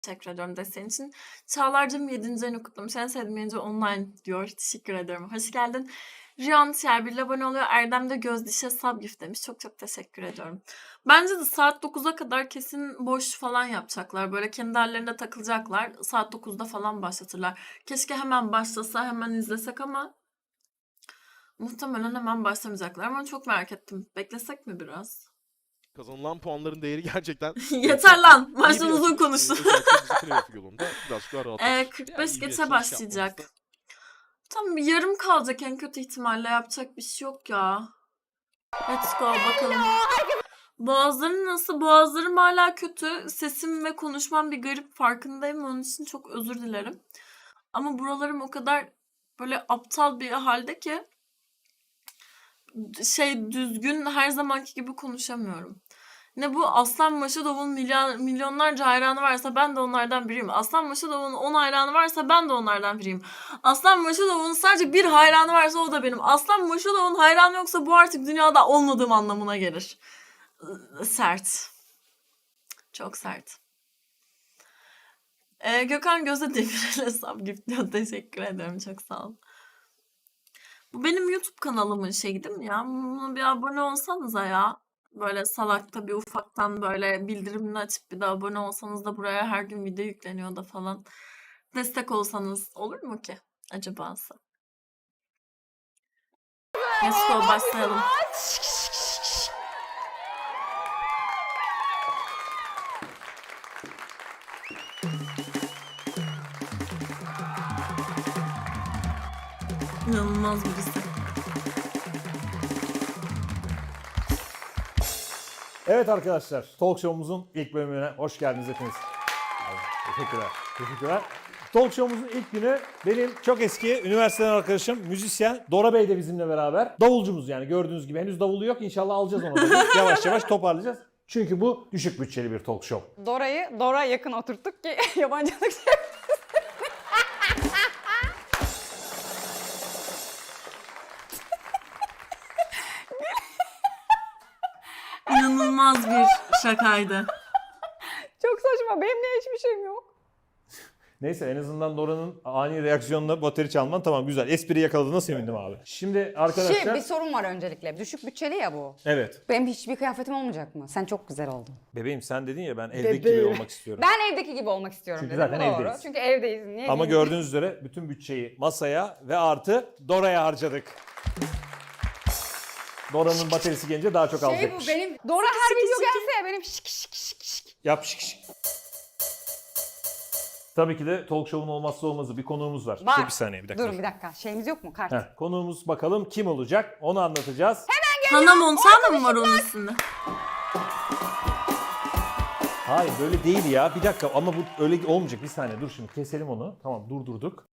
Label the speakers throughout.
Speaker 1: Teşekkür ediyorum desteğin için. Çağlar'cığım 7. ayını kutlamış. En sevdiğim yayıncı online diyor. Teşekkür ederim. Hoş geldin. Riyan Şerbil abone oluyor. Erdem de Gözdiş'e sub gift demiş. Çok çok teşekkür ediyorum. Bence de saat 9'a kadar kesin boş falan yapacaklar. Böyle kendi hallerinde takılacaklar. Saat 9'da falan başlatırlar. Keşke hemen başlasa, hemen izlesek ama muhtemelen hemen başlamayacaklar. Ama çok merak ettim. Beklesek mi biraz?
Speaker 2: Kazanılan puanların değeri gerçekten...
Speaker 1: Yeter lan.
Speaker 2: iyi
Speaker 1: Maçtan
Speaker 2: bir
Speaker 1: uzun
Speaker 2: açılış.
Speaker 1: konuştu.
Speaker 2: Özellikle bizi playoff yolunda birazcık daha rahatlatır.
Speaker 1: 45
Speaker 2: iyi bir
Speaker 1: geçe
Speaker 2: açılış
Speaker 1: başlayacak.
Speaker 2: yapmamızda-
Speaker 1: Tam bir yarım kalacak en kötü ihtimalle. Yapacak bir şey yok ya. Let's go bakalım. Boğazlarım nasıl? Boğazlarım hala kötü. Sesim ve konuşmam bir garip, farkındayım. Onun için çok özür dilerim. Ama buralarım o kadar böyle aptal bir halde ki düzgün her zamanki gibi konuşamıyorum. Ne bu? Aslan Maşadov'un milyonlarca hayranı varsa ben de onlardan biriyim. Aslan Maşadov'un 10 hayranı varsa ben de onlardan biriyim. Aslan Maşadov'un sadece bir hayranı varsa o da benim. Aslan Maşadov'un hayranı yoksa bu artık dünyada olmadığım anlamına gelir. Sert. Çok sert. Gökhan Gözde Demirel'e sub gift diyor. Teşekkür ederim. Çok sağ ol. Bu benim YouTube kanalımın şeyi değil mi ya? Buna bir abone olsanıza ya. Böyle salakta bir ufaktan böyle bildirimini açıp bir de abone olsanız da buraya her gün video yükleniyor da falan. Destek olsanız olur mu ki acaba? Let's go başlayalım. İnanılmaz birisi.
Speaker 3: Evet arkadaşlar, Talk Show'umuzun ilk bölümüne hoş geldiniz hepiniz. Teşekkürler, teşekkürler. Talk Show'umuzun ilk günü benim çok eski üniversiteden arkadaşım, müzisyen Dora Bey de bizimle beraber. Davulcumuz yani gördüğünüz gibi. Henüz davulu yok, İnşallah alacağız onu da. Yavaş yavaş toparlayacağız. Çünkü bu düşük bütçeli bir talk show.
Speaker 4: Dora'ya yakın oturttuk ki yabancılık
Speaker 1: İnanılmaz bir şakaydı.
Speaker 4: Çok saçma. Benim niye hiçbir şeyim yok?
Speaker 3: Neyse en azından Dora'nın ani reaksiyonla bateri çalman tamam güzel. Espri yakaladığına sevindim abi. Şimdi arkadaşlar...
Speaker 4: Bir sorun var öncelikle. Düşük bütçeli ya bu.
Speaker 3: Evet.
Speaker 4: Benim hiçbir kıyafetim olmayacak mı? Sen çok güzel oldun.
Speaker 3: Bebeğim sen dedin ya ben evdeki gibi olmak istiyorum.
Speaker 4: Ben evdeki gibi olmak istiyorum
Speaker 3: Çünkü
Speaker 4: dedim.
Speaker 3: zaten
Speaker 4: Doğru.
Speaker 3: evdeyiz.
Speaker 4: Çünkü evdeyiz. Niye
Speaker 3: Ama
Speaker 4: diyeyim?
Speaker 3: gördüğünüz üzere bütün bütçeyi masaya ve artı Dora'ya harcadık. Dora'nın baterisi gelince daha çok alacakmış.
Speaker 4: Bu benim... Dora her video gelse ya benim şık şık şık şık.
Speaker 3: Yap şık şık. Tabii ki de talk show'un olmazsa olmazı bir konuğumuz var.
Speaker 4: Var.
Speaker 3: Dur bir saniye bir dakika.
Speaker 4: Durun bir dakika. Şeyimiz yok mu? Kart.
Speaker 3: Heh, konuğumuz bakalım kim olacak onu anlatacağız.
Speaker 1: Hannah Montana mı var onun üstünde?
Speaker 3: Hayır böyle değil ya bir dakika ama bu öyle olmayacak bir saniye dur şimdi keselim onu. Tamam durdurduk.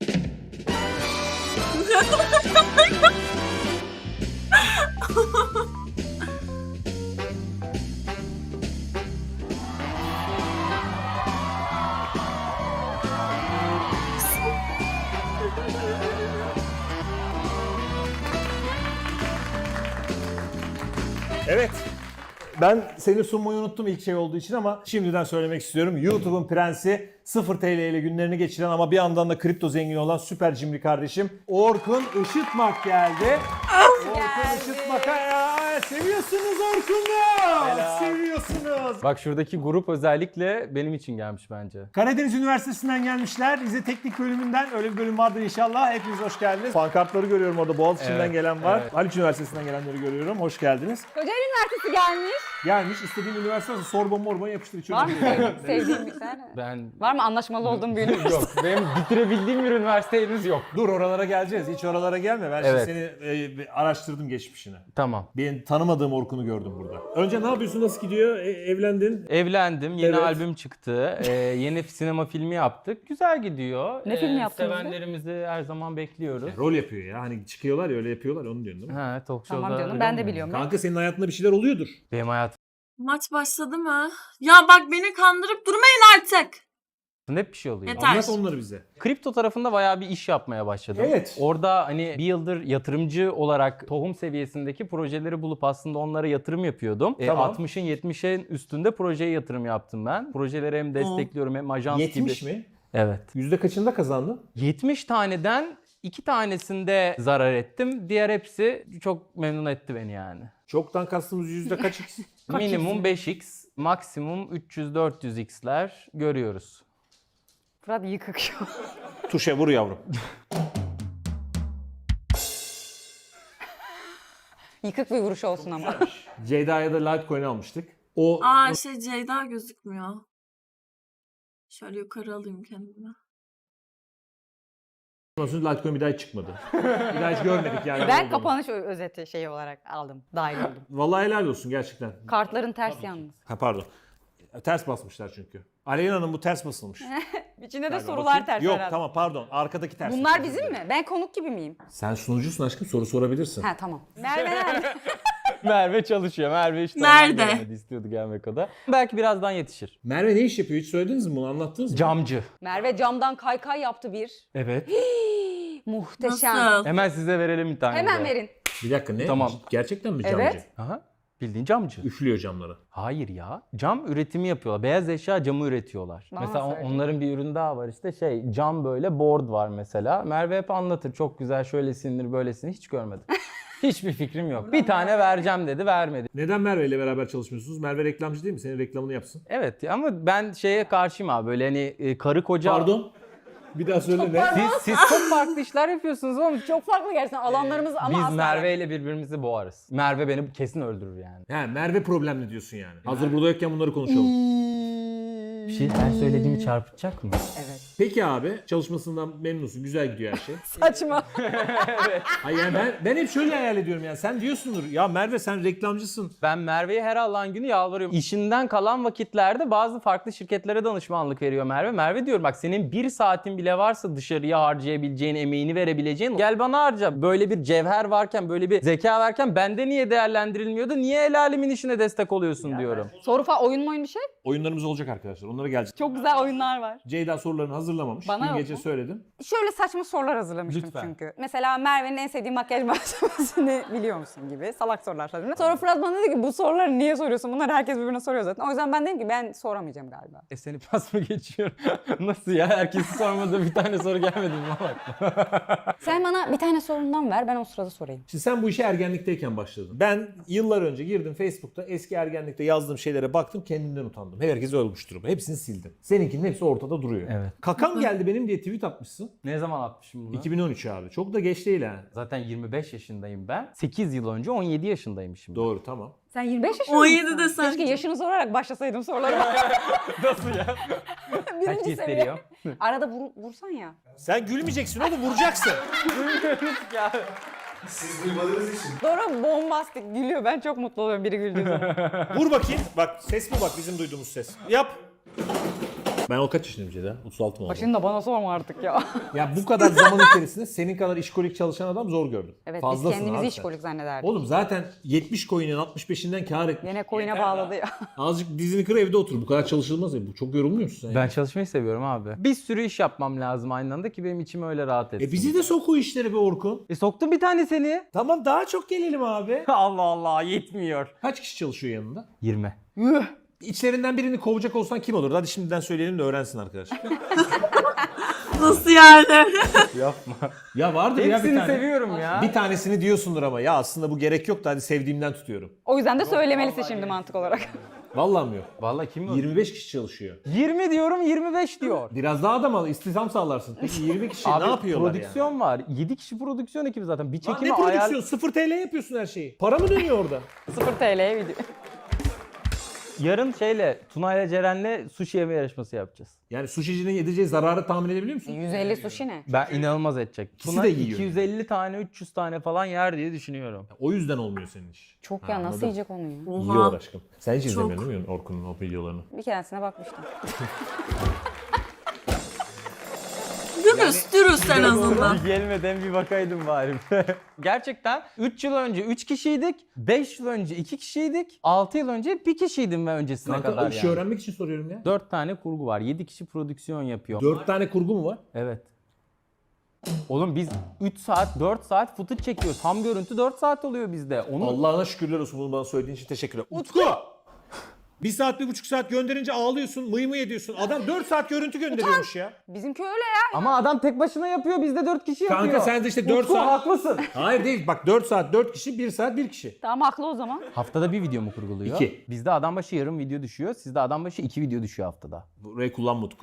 Speaker 3: Evet. Ben seni sunmayı unuttum ilk şey olduğu için ama şimdiden söylemek istiyorum. YouTube'un prensi 0 TL ile günlerini geçiren ama bir yandan da kripto zengini olan süper cimri kardeşim Orkun Işıtmak geldi. Orkun Işıtmak'a ya seviyorsunuz Orkun'u. Seviyorsunuz.
Speaker 5: Bak şuradaki grup özellikle benim için gelmiş bence.
Speaker 3: Karadeniz Üniversitesi'nden gelmişler. Rize Teknik Bölümünden öyle bir bölüm vardır inşallah. Hepiniz hoş geldiniz. Pankartları görüyorum orada. Boğaziçi'nden
Speaker 5: Evet,
Speaker 3: gelen var.
Speaker 5: evet.
Speaker 3: Haliç Üniversitesi'nden gelenleri görüyorum. Hoş geldiniz.
Speaker 4: Kocaeli Üniversitesi gelmiş.
Speaker 3: Gelmiş istediğin üniversite olsa Sorbon Morbon yapıştır içeri.
Speaker 4: Var mı sevdiğin bir tane?
Speaker 5: Ben
Speaker 4: Var mı anlaşmalı olduğum bir üniversite?
Speaker 5: yok. Benim bitirebildiğim bir üniversite henüz yok.
Speaker 3: Dur oralara geleceğiz. Hiç oralara gelme. Ben
Speaker 5: Evet.
Speaker 3: şimdi seni bir araştırdım geçmişini.
Speaker 5: Tamam.
Speaker 3: Ben tanımadığım Orkun'u gördüm burada. Önce ne yapıyorsun? Nasıl gidiyor? Evlendin.
Speaker 5: Evlendim. Yeni
Speaker 3: Evet.
Speaker 5: albüm çıktı. Yeni sinema filmi yaptık. Güzel gidiyor.
Speaker 4: Ne filmi yaptınız be?
Speaker 5: Sevenlerimizi her zaman bekliyoruz.
Speaker 3: Rol yapıyor ya. Hani çıkıyorlar ya öyle yapıyorlar onu diyorsun değil mi?
Speaker 5: Ha, talk
Speaker 4: Tamam
Speaker 5: show'da
Speaker 4: canım
Speaker 5: öyle
Speaker 4: ben de
Speaker 5: mi?
Speaker 4: biliyorum.
Speaker 3: Kanka senin hayatında bir şeyler oluyordur.
Speaker 5: Benim hayatım
Speaker 1: Maç başladı mı? Ya bak beni kandırıp durmayın artık.
Speaker 5: Hep bir şey oluyor.
Speaker 1: Yeter.
Speaker 3: Anlat onları bize.
Speaker 5: Kripto tarafında bayağı bir iş yapmaya başladım.
Speaker 3: Evet.
Speaker 5: Orada hani bir yıldır yatırımcı olarak tohum seviyesindeki projeleri bulup aslında onlara yatırım yapıyordum.
Speaker 3: Tamam.
Speaker 5: 60'ın 70'in üstünde projeye yatırım yaptım ben. Projeleri hem destekliyorum hem ajans
Speaker 3: 70
Speaker 5: gibi.
Speaker 3: mi?
Speaker 5: Evet.
Speaker 3: Yüzde kaçında kazandın?
Speaker 5: 70 taneden 2 tanesinde zarar ettim. Diğer hepsi çok memnun etti beni yani.
Speaker 3: Çoktan kastımız yüzde kaç x?
Speaker 5: Minimum 5x, maksimum 300-400x'ler görüyoruz.
Speaker 4: Fırat yıkık şu an.
Speaker 3: Tuşa vur yavrum.
Speaker 4: Yıkık bir vuruş olsun ama.
Speaker 3: Ceyda'ya da Litecoin almıştık. O
Speaker 1: Aa Ceyda gözükmüyor. Şöyle yukarı alayım kendimi.
Speaker 3: ondan sonra Litecoin bir daha hiç çıkmadı. Bir daha hiç görmedik yani.
Speaker 4: Ben
Speaker 3: olduğunu.
Speaker 4: kapanış özeti şey olarak aldım. Dahil oldum.
Speaker 3: Vallahi helal olsun gerçekten.
Speaker 4: Kartların ters yalnız.
Speaker 3: Ha pardon. Ters basmışlar çünkü. Aleyna'nın bu ters basılmış.
Speaker 4: İçinde de
Speaker 3: Galiba.
Speaker 4: sorular
Speaker 3: Bakayım.
Speaker 4: ters
Speaker 3: Yok
Speaker 4: herhalde.
Speaker 3: tamam pardon. Arkadaki ters.
Speaker 4: Bunlar bizim mi? Ben konuk gibi miyim?
Speaker 3: Sen sunucusun aşkım, soru sorabilirsin.
Speaker 4: Ha tamam. Merve nerede?
Speaker 5: Merve çalışıyor. Merve işte
Speaker 1: Nerede?
Speaker 5: ondan gelmedi, istiyordu gelmek o da. Belki birazdan yetişir.
Speaker 3: Merve ne iş yapıyor? Hiç söylediniz mi bunu? Anlattınız mı?
Speaker 5: Camcı.
Speaker 4: Merve camdan kaykay yaptı bir.
Speaker 5: Evet.
Speaker 4: Muhteşem.
Speaker 1: Nasıl?
Speaker 5: Hemen size verelim bir tane
Speaker 4: Hemen
Speaker 5: de.
Speaker 4: verin.
Speaker 3: Bir dakika ne?
Speaker 5: Tamam.
Speaker 3: Gerçekten mi camcı?
Speaker 4: Evet.
Speaker 5: Aha. Bildiğin camcı.
Speaker 3: Üflüyor camları.
Speaker 5: Hayır ya. Cam üretimi yapıyorlar. Beyaz eşya camı üretiyorlar.
Speaker 4: Bana
Speaker 5: mesela
Speaker 4: söyle.
Speaker 5: onların bir ürün daha var işte cam böyle board var mesela. Merve hep anlatır. Çok güzel şöylesindir böylesindir. Hiç görmedim. Hiçbir fikrim yok. Bir tane vereceğim dedi, vermedi.
Speaker 3: Neden Merve ile beraber çalışmıyorsunuz? Merve reklamcı değil mi? Senin reklamını yapsın.
Speaker 5: Evet ama ben şeye karşıyım abi. Böyle hani karı koca...
Speaker 3: Pardon. Bir daha söyle ne?
Speaker 5: Siz çok farklı işler yapıyorsunuz oğlum.
Speaker 4: Çok farklı gerçekten alanlarımız ama
Speaker 5: Biz
Speaker 4: asla.
Speaker 5: Merve ile birbirimizi boğarız. Merve beni kesin öldürür yani.
Speaker 3: He, Merve problemli diyorsun yani. Hazır burada yokken bunları konuşalım.
Speaker 5: Bir şey her söylediğimi çarpıtacak mı?
Speaker 4: Evet.
Speaker 3: Peki abi, çalışmasından memnunsun. Güzel gidiyor her şey.
Speaker 4: Saçma.
Speaker 3: Hayır yani ben hep şöyle hayal ediyorum yani. Sen diyorsundur ya Merve sen reklamcısın.
Speaker 5: Ben Merve'ye her Allah'ın günü yalvarıyorum. İşinden kalan vakitlerde bazı farklı şirketlere danışmanlık veriyor Merve. Merve diyorum bak senin bir saatin bile varsa dışarıya harcayabileceğin, emeğini verebileceğin gel bana harca. Böyle bir cevher varken, böyle bir zeka varken bende niye değerlendirilmiyordu? Niye el alemin işine destek oluyorsun diyorum.
Speaker 4: Soru falan oyun mu oyun bir şey?
Speaker 3: Oyunlarımız olacak arkadaşlar. Onlara geleceğiz.
Speaker 4: Çok güzel oyunlar var.
Speaker 3: Ceyda sorularını hazırlamamış.
Speaker 4: Bana
Speaker 3: Dün
Speaker 4: yok
Speaker 3: gece
Speaker 4: mu?
Speaker 3: söyledim.
Speaker 4: Şöyle saçma sorular hazırlamıştım
Speaker 5: Lütfen.
Speaker 4: çünkü. Mesela Merve'nin en sevdiği makyaj malzemesini biliyor musun gibi salak sorular sordum. Sonra Fırat bana dedi ki bu soruları niye soruyorsun? Bunları herkes birbirine soruyor zaten. O yüzden ben dedim ki ben soramayacağım galiba.
Speaker 5: Seni pas mı geçiyor? Nasıl ya? Herkesi sormadı bir tane soru gelmedi mi?
Speaker 4: Sen bana bir tane sorundan ver ben o sırada sorayım.
Speaker 3: Şimdi sen bu işe ergenlikteyken başladın. Ben yıllar önce girdim Facebook'ta eski ergenlikte yazdığım şeylere baktım kendimden utandım. Herkes ölmüş durumda. Hepsini sildim. Seninkinin hepsi ortada duruyor.
Speaker 5: Evet.
Speaker 3: Kakam geldi benim diye tweet atmışsın.
Speaker 5: Ne zaman atmışım bunu?
Speaker 3: 2013 abi. Çok da geç değil ha.
Speaker 5: Zaten 25 yaşındayım ben. 8 yıl önce 17 yaşındayım şimdi.
Speaker 3: Doğru tamam.
Speaker 4: Sen 25 yaşında
Speaker 1: 17
Speaker 4: mısın?
Speaker 1: de sen.
Speaker 4: Keşke yaşını sorarak başlasaydım sorulara.
Speaker 5: Nasıl ya?
Speaker 4: Birinci
Speaker 5: Kaç
Speaker 4: seviye.
Speaker 5: gösteriyor?
Speaker 4: Arada vursan ya.
Speaker 3: Sen gülmeyeceksin oğlum vuracaksın.
Speaker 6: Siz duymadığınız için.
Speaker 4: Doğru bombastik gülüyor. Ben çok mutlu oluyorum biri güldüğü zaman.
Speaker 3: Vur bakayım. Bak ses mi bak bizim duyduğumuz ses. Yap. Ben o kaç yaşındayım Ceyda? 36 mı oldu?
Speaker 4: Başını da bana sorma artık ya.
Speaker 3: Ya bu kadar zaman içerisinde senin kadar işkolik çalışan adam zor gördüm.
Speaker 4: Evet
Speaker 3: Fazlasın
Speaker 4: biz kendimizi
Speaker 3: abi
Speaker 4: iş
Speaker 3: sen.
Speaker 4: kolik zannederdik.
Speaker 3: Oğlum zaten 70 coin'in 65'inden kar etmiş.
Speaker 4: Yine coin'e bağladı ya.
Speaker 3: Azıcık dizini kır evde otur. Bu kadar çalışılmaz ya. Bu çok yorulmuyor musun sen?
Speaker 5: Ben
Speaker 3: ya?
Speaker 5: çalışmayı seviyorum abi. Bir sürü iş yapmam lazım aynı anda ki benim içim öyle rahat etsin.
Speaker 3: Bizi de sok o işlere be Orkun.
Speaker 5: Soktum bir tane seni.
Speaker 3: Tamam daha çok gelelim abi.
Speaker 5: Allah Allah yetmiyor.
Speaker 3: Kaç kişi çalışıyor yanında?
Speaker 5: 20.
Speaker 3: İçlerinden birini kovacak olsan kim olur? Hadi şimdiden söyleyelim de öğrensin arkadaşlar.
Speaker 1: Nasıl yani?
Speaker 5: Yapma.
Speaker 3: Ya vardır ya bir
Speaker 5: Hepsini
Speaker 3: tane.
Speaker 5: seviyorum ya.
Speaker 3: Bir tanesini diyorsundur ama ya aslında bu gerek yok da hadi sevdiğimden tutuyorum.
Speaker 4: O yüzden de söylemelisin şimdi mantık olarak.
Speaker 3: Vallahi mi yok?
Speaker 5: Vallahi kim o?
Speaker 3: 25 kişi çalışıyor.
Speaker 5: 20 diyorum 25 diyor.
Speaker 3: Biraz daha adam al, istihdam sağlarsın. Peki 20 kişi
Speaker 5: Abi
Speaker 3: ne yapıyorlar
Speaker 5: prodüksiyon var. 7 kişi prodüksiyon ekibi zaten. Bir
Speaker 3: yani? Lan
Speaker 5: çekimi
Speaker 3: ne prodüksiyon? 0 TL yapıyorsun her şeyi. Para mı dönüyor orada?
Speaker 4: 0 TL'ye video.
Speaker 5: Yarın Tuna'yla Ceren'le sushi yeme yarışması yapacağız.
Speaker 3: Yani sushi'cinin edeceği zararı tahmin edebiliyor musun?
Speaker 4: 150 sushi ne?
Speaker 5: Ben inanılmaz edecek.
Speaker 3: İkisi
Speaker 5: Tuna
Speaker 3: de yiyor
Speaker 5: 250 tane 300 tane falan yer diye düşünüyorum.
Speaker 3: O yüzden olmuyor senin iş.
Speaker 4: Çok
Speaker 3: Ha,
Speaker 4: ya nasıl
Speaker 3: anladım.
Speaker 4: yiyecek onu ya?
Speaker 3: Yiyorlar aşkım. Sen hiç
Speaker 1: Çok.
Speaker 3: izlemiyorsun değil mi Orkun'un o videolarını?
Speaker 4: Bir keresine bakmıştım.
Speaker 1: Dürüst en azından.
Speaker 5: Bir gelmeden bir bakaydım bari. Gerçekten 3 yıl önce 3 kişiydik, 5 yıl önce 2 kişiydik, 6 yıl önce 1 kişiydim ve öncesine
Speaker 3: Kanka
Speaker 5: kadar
Speaker 3: o işi
Speaker 5: yani.
Speaker 3: öğrenmek için soruyorum ya.
Speaker 5: 4 tane kurgu var, 7 kişi prodüksiyon yapıyor.
Speaker 3: 4 tane kurgu mu var?
Speaker 5: Evet. Oğlum biz 3 saat, 4 saat footage çekiyoruz. Tam görüntü 4 saat oluyor bizde. Onu
Speaker 3: Allah'ına şükürler olsun bunu bana söylediğin için teşekkürler. Utku! 1 saat 1,5 saat gönderince ağlıyorsun, mıy mıy ediyorsun. Adam 4 saat görüntü gönderiyormuş ya.
Speaker 4: Bizimki öyle ya.
Speaker 5: ama adam tek başına yapıyor, bizde 4 kişi yapıyor.
Speaker 3: Kanka sen de işte 4
Speaker 5: Utku,
Speaker 3: saat...
Speaker 5: haklısın.
Speaker 3: Hayır değil bak 4 saat 4 kişi, 1 saat 1 kişi.
Speaker 4: Tamam haklı o zaman.
Speaker 5: Haftada bir video mu kurguluyor?
Speaker 3: 2.
Speaker 5: Bizde adam başı yarım video düşüyor, sizde adam başı 2 video düşüyor haftada.
Speaker 3: Burayı kullanma Utku.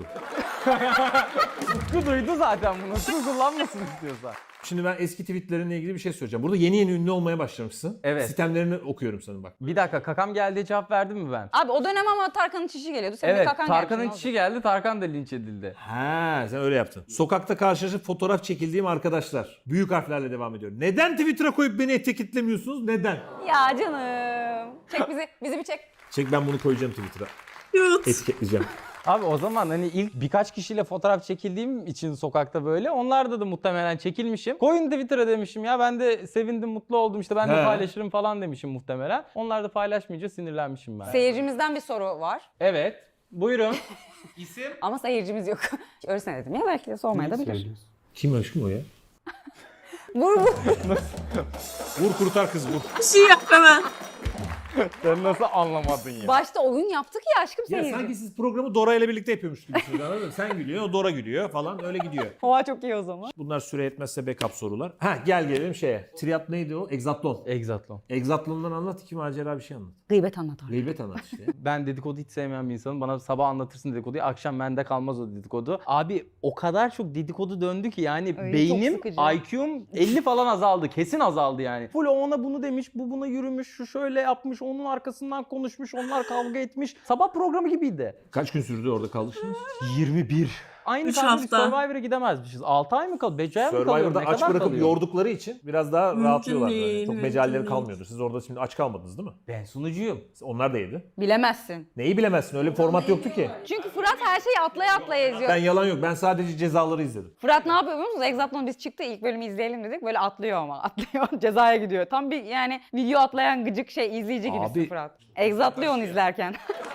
Speaker 5: Utku duydu zaten bunu. Utku kullanmasın istiyorsa.
Speaker 3: Şimdi ben eski tweetlerinle ilgili bir şey söyleyeceğim. Burada yeni yeni ünlü olmaya başlamışsın.
Speaker 5: Evet.
Speaker 3: Sistemlerini okuyorum sana bak.
Speaker 5: Bir dakika, kakam geldiği cevap verdim mi ben?
Speaker 4: Abi o dönem ama Tarkan'ın çişi geliyordu. Senin de
Speaker 5: Evet,
Speaker 4: kakan
Speaker 5: Tarkan'ın
Speaker 4: gelmiş, ne
Speaker 5: çişi geldi, Tarkan da linç edildi.
Speaker 3: Ha, sen öyle yaptın. Sokakta karşılaşıp fotoğraf çekildiğim arkadaşlar. Büyük harflerle devam ediyorum. Neden Twitter'a koyup beni etiketlemiyorsunuz? Neden?
Speaker 4: olacak? Ya canım. Çek bizi bir çek.
Speaker 3: Çek ben bunu koyacağım Twitter'a.
Speaker 1: Cute.
Speaker 3: Etiketleyeceğim.
Speaker 5: Abi o zaman hani ilk birkaç kişiyle fotoğraf çekildiğim için sokakta böyle, onlarda da muhtemelen çekilmişim. Koyun Twitter'a demişim ya, ben de sevindim, mutlu oldum, işte ben de
Speaker 3: He.
Speaker 5: paylaşırım falan demişim muhtemelen. Onlar da paylaşmayınca sinirlenmişim ben.
Speaker 4: Seyircimizden bir soru var.
Speaker 5: Evet, buyurun.
Speaker 4: Ama seyircimiz yok. Öylesine dedim ya, belki de sormaya da bilir.
Speaker 3: Kim aşkım o ya?
Speaker 4: Vur.
Speaker 3: Vur kurtar kız vur.
Speaker 1: Bir şey yap hemen.
Speaker 5: Sen nasıl anlamadın ya?
Speaker 4: Başta oyun yaptık ya aşkım
Speaker 3: Ya
Speaker 4: seyirci.
Speaker 3: sanki siz programı Dora ile birlikte yapıyormuş gibisiniz, anladın mı? Sen gülüyorsun, o Dora gülüyor falan öyle gidiyor.
Speaker 4: Oha çok iyi o zaman.
Speaker 3: Bunlar süre yetmezse backup sorular. Ha gel gelelim şeye. Triat neydi o? Egzatlon.
Speaker 5: Exatlon.
Speaker 3: Egzatlon'dan anlat, iki macera bir şey anlat.
Speaker 4: Gıybet anlatar.
Speaker 3: Gıybet anlat işte.
Speaker 5: Ben dedikodu hiç sevmeyen bir insanım. Bana sabah anlatırsın dedikoduyu, akşam bende kalmaz o dedikodu. Abi o kadar çok dedikodu döndü ki yani
Speaker 4: Öyle
Speaker 5: beynim,
Speaker 4: çok sıkıcı.
Speaker 5: IQ'm 50 falan azaldı. Kesin azaldı yani. Full o ona bunu demiş, bu buna yürümüş, şu şöyle yapmış, onun arkasından konuşmuş, onlar kavga etmiş. Sabah programı gibiydi.
Speaker 3: Kaç gün sürdü orada kalışınız?
Speaker 5: 21. Aynı
Speaker 1: 3
Speaker 5: kadro
Speaker 1: hafta.
Speaker 5: Survivor'a gidemezmişiz. 6 ay mı kaldı? 5 ay mı kalıyor?
Speaker 3: Survivor'da
Speaker 5: Ne
Speaker 3: aç
Speaker 5: kadar
Speaker 3: bırakıp
Speaker 5: kalıyor?
Speaker 3: yordukları için biraz daha
Speaker 1: Mümkün
Speaker 3: rahatlıyorlar. Böyle.
Speaker 1: değil,
Speaker 3: Çok
Speaker 1: mümkün
Speaker 3: becerileri
Speaker 1: değil.
Speaker 3: kalmıyordu. Siz orada şimdi aç kalmadınız değil mi?
Speaker 5: Ben sunucuyum.
Speaker 3: Onlar da yedi.
Speaker 4: Bilemezsin.
Speaker 3: Neyi bilemezsin? Öyle bir format yoktu ki.
Speaker 4: Çünkü Fırat her şeyi atlaya atlaya izliyor.
Speaker 3: Ben yalan yok. Ben sadece cezaları izledim.
Speaker 4: Fırat ne yapıyor biliyor musunuz? Exatlon biz çıktı, ilk bölümü izleyelim dedik. Böyle atlıyor ama. Atlıyor. Cezaya gidiyor. Tam bir yani video atlayan gıcık izleyici gibisin
Speaker 3: Abi-
Speaker 4: Fırat. Exatlıyor onu izlerken.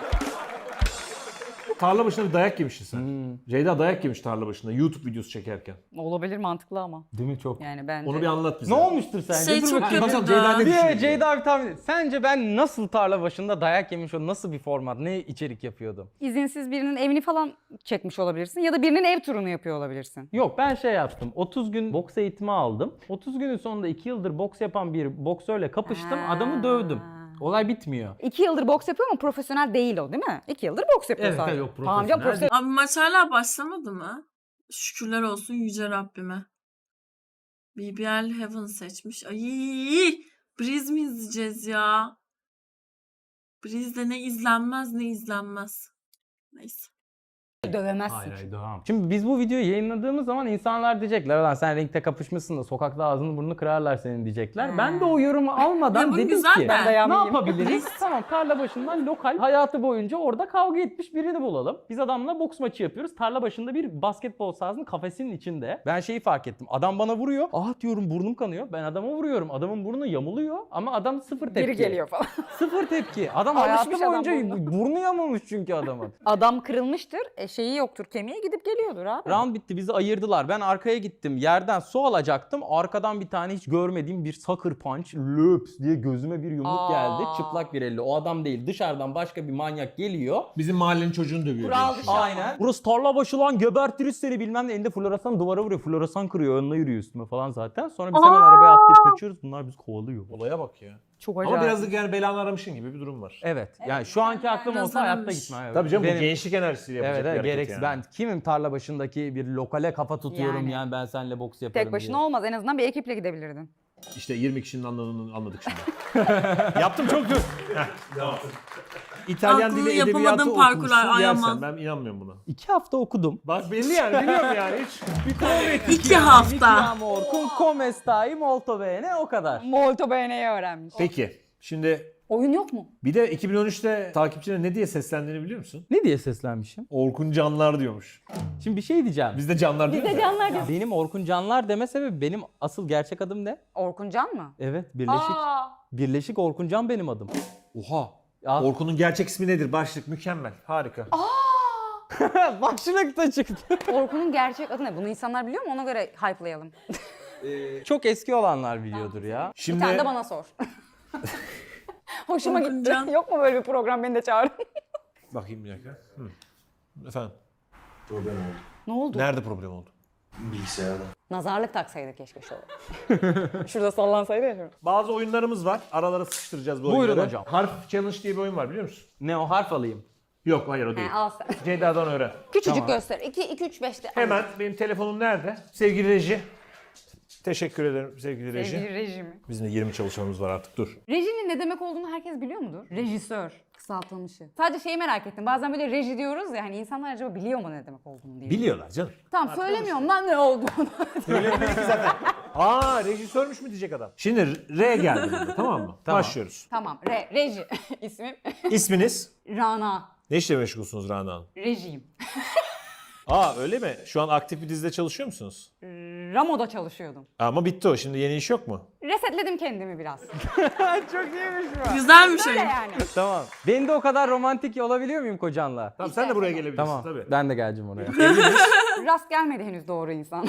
Speaker 3: Tarla başında bir dayak yemişsin sen. Ceyda dayak yemiş tarla başında YouTube videosu çekerken.
Speaker 4: Olabilir, mantıklı ama.
Speaker 5: Değil mi çok?
Speaker 4: Yani bence.
Speaker 3: Onu bir anlat bize.
Speaker 5: Ne olmuştur sence?
Speaker 1: Şey
Speaker 5: Dur
Speaker 1: çok
Speaker 5: bakayım.
Speaker 1: kötü
Speaker 3: Bakalım
Speaker 1: da.
Speaker 3: Ceyda ne düşünüyor?
Speaker 5: Bir Ceyda abi tahmin et. Sence ben nasıl tarla başında dayak yemiş, o nasıl bir format, ne içerik yapıyordum?
Speaker 4: İzinsiz birinin evini falan çekmiş olabilirsin ya da birinin ev turunu yapıyor olabilirsin.
Speaker 5: Yok, ben şey yaptım. 30 gün boks eğitimi aldım. 30 günün sonunda 2 yıldır boks yapan bir boksörle kapıştım. Adamı dövdüm. Olay bitmiyor.
Speaker 4: 2 yıldır boks yapıyor ama profesyonel değil o, değil mi? 2 yıldır boks yapıyor
Speaker 5: Evet,
Speaker 4: sadece.
Speaker 5: yok,
Speaker 4: Tamam canım,
Speaker 5: profesyonel
Speaker 4: profesyonel.
Speaker 1: Abi maç hala başlamadı mı? Şükürler olsun yüce Rabbime. BBL Heaven seçmiş. Ay, Breeze mi izleyeceğiz ya? Breeze'de ne izlenmez ne izlenmez. Neyse.
Speaker 4: Dövemezsin.
Speaker 5: Hayır, devam. Şimdi biz bu videoyu yayınladığımız zaman insanlar diyecekler, "Lan sen ringte kapışmışsın da sokakta ağzını burnunu kırarlar senin," diyecekler. Ben de o yorumu
Speaker 1: Ya
Speaker 5: almadan
Speaker 1: bu
Speaker 5: dedim
Speaker 1: güzel
Speaker 5: ki
Speaker 1: de.
Speaker 4: Ben dayağı
Speaker 5: ne
Speaker 4: yiyeyim.
Speaker 5: yapabiliriz? Tamam, tarla başından lokal hayatı boyunca orada kavga etmiş birini bulalım. Biz adamla boks maçı yapıyoruz. Tarla başında bir basketbol sahasının kafesinin içinde. Ben şeyi fark ettim. Adam bana vuruyor. Ah diyorum, burnum kanıyor. Ben adama vuruyorum. Adamın burnu yamuluyor ama adam sıfır tepki.
Speaker 4: Biri geliyor falan.
Speaker 5: Sıfır tepki. Adam
Speaker 4: Alışmış
Speaker 5: hayatı
Speaker 4: adam
Speaker 5: boyunca
Speaker 4: burnuna.
Speaker 5: burnu yamulmuş çünkü adamın.
Speaker 4: Adam kırılmıştır, şeyi yoktur, kemiğe gidip geliyordur abi.
Speaker 5: Round bitti, bizi ayırdılar. Ben arkaya gittim. Yerden su alacaktım. Arkadan bir tane hiç görmediğim bir sucker punch löps diye gözüme bir yumruk geldi. Çıplak bir elle. O adam değil. Dışarıdan başka bir manyak geliyor.
Speaker 3: Bizim mahallenin çocuğunu dövüyor.
Speaker 4: Kural
Speaker 3: diye
Speaker 4: dışı.
Speaker 3: düşünüyorum.
Speaker 5: Aynen. Burası tarla başı lan, gebertiriz seni bilmem ne. Elinde floresan duvara vuruyor. Floresan kırıyor. Önüne yürüyor üstüme falan zaten. Sonra biz hemen arabaya atlayıp kaçıyoruz. Bunlar bizi kovalıyor.
Speaker 3: Olaya bak ya.
Speaker 4: Çok acayip.
Speaker 3: Ama birazcık yani belanı aramışın gibi bir durum var.
Speaker 5: Evet. Yani şu anki aklım
Speaker 1: biraz
Speaker 5: olsa hayatta
Speaker 1: aramış.
Speaker 5: gitmem. Evet.
Speaker 3: Tabii canım bu
Speaker 5: Benim-
Speaker 3: gençlik enerjisiyle yapacak
Speaker 5: Evet,
Speaker 3: bir
Speaker 5: evet,
Speaker 3: hareket
Speaker 5: gereksiz.
Speaker 3: yani.
Speaker 5: Ben kimim tarla başındaki bir lokale kafa tutuyorum yani,
Speaker 4: Yani.
Speaker 5: ben seninle boks yaparım
Speaker 4: Tek başına
Speaker 5: diye.
Speaker 4: olmaz, en azından bir ekiple gidebilirdin.
Speaker 3: İşte 20 kişinin anladığını anladık şimdi. Yaptım çok dur. İtalyan
Speaker 1: Aklını
Speaker 3: dili
Speaker 1: yapamadığın
Speaker 3: edebiyatı
Speaker 1: parkurlar,
Speaker 3: okumuşsun
Speaker 1: Ayaman.
Speaker 3: yersen. Ben inanmıyorum buna.
Speaker 5: 2 hafta okudum.
Speaker 3: Bak belli yani biliyorum yani. Hiç bir prova ettik.
Speaker 1: 2 hafta.
Speaker 5: Amor, con come stai molto bene, o kadar.
Speaker 4: Molto bene'yi öğrenmiş.
Speaker 3: Peki şimdi
Speaker 4: Oyun yok mu?
Speaker 3: bir de 2013'te takipçine ne diye seslendiğini biliyor musun?
Speaker 5: Ne diye seslenmişim?
Speaker 3: Orkun Canlar diyormuş.
Speaker 5: Şimdi bir şey diyeceğim.
Speaker 3: Bizde canlar değil
Speaker 4: Biz de
Speaker 3: mi?
Speaker 4: canlar diyor.
Speaker 5: Benim Orkun Canlar deme sebebi benim asıl gerçek adım ne?
Speaker 4: Orkun Can mı?
Speaker 5: Evet, Birleşik.
Speaker 4: Aa,
Speaker 5: Birleşik Orkun Can benim adım.
Speaker 3: Oha.
Speaker 5: Ya,
Speaker 3: Orkun'un gerçek ismi nedir? Başlık mükemmel. Harika.
Speaker 5: başlıkta çıktı.
Speaker 4: Orkun'un gerçek adı ne? Bunu insanlar biliyor mu? Ona göre hype'layalım.
Speaker 5: Çok eski olanlar biliyordur ya.
Speaker 4: Bir
Speaker 3: Şimdi
Speaker 4: tane de bana sor. Hoşuma
Speaker 1: Orkun
Speaker 4: gitti.
Speaker 1: Can.
Speaker 4: Yok mu böyle bir program, beni de çağırın.
Speaker 3: bakayım bir dakika. Efendim.
Speaker 4: Ne oldu?
Speaker 3: Nerede problem oldu?
Speaker 4: Nazarlık taksaydı keşke şu. Şurada sallansaydı ya.
Speaker 3: Bazı oyunlarımız var. Aralara sıkıştıracağız bu
Speaker 5: Buyurun
Speaker 3: oyunları.
Speaker 5: hocam.
Speaker 3: Harf Challenge diye bir oyun var biliyor musun?
Speaker 5: Ne o, harf alayım?
Speaker 3: Yok hayır o değil.
Speaker 4: He, al sen.
Speaker 3: Ceyda'dan öğren.
Speaker 4: Küçücük
Speaker 5: Tamam.
Speaker 4: göster. 2, 3, 5'te.
Speaker 3: Hemen benim telefonum nerede? Sevgili reji. Teşekkür ederim sevgili reji.
Speaker 4: Sevgili rejimi.
Speaker 3: Bizim de 20 çalışanımız var artık dur.
Speaker 4: Rejinin ne demek olduğunu herkes biliyor mudur? Rejisör. Kısaltılmışı. Sadece şeyi merak ettim. Bazen böyle reji diyoruz ya, hani insanlar acaba biliyor mu ne demek olduğunu diye.
Speaker 3: Biliyorlar canım.
Speaker 4: Tamam, söylemiyorum lan ne olduğunu.
Speaker 3: Söylemiyor ki zaten. Aa rejisörmüş mü diyecek adam. Şimdi R geldi burada tamam mı?
Speaker 5: Tamam.
Speaker 3: Başlıyoruz.
Speaker 4: Tamam. Reji. İsmim
Speaker 3: İsminiz?
Speaker 4: Rana.
Speaker 3: Ne işle meşgulsünüz Rana Hanım?
Speaker 4: Rejiyim.
Speaker 3: Aa öyle mi? Şu an aktif bir dizide çalışıyor musunuz?
Speaker 4: Ramo'da çalışıyordum.
Speaker 3: Ama bitti o. Şimdi yeni iş yok mu?
Speaker 4: Resetledim kendimi biraz.
Speaker 5: Çok iyiymiş bu.
Speaker 1: Güzelmiş
Speaker 4: Öyle
Speaker 1: oyun.
Speaker 4: yani.
Speaker 5: Tamam. Ben de o kadar romantik olabiliyor muyum kocanla?
Speaker 3: Tamam sen de buraya gelebilirsin
Speaker 5: Tamam.
Speaker 3: tabii.
Speaker 5: Ben de geleceğim oraya.
Speaker 4: Rast gelmedi henüz doğru insan.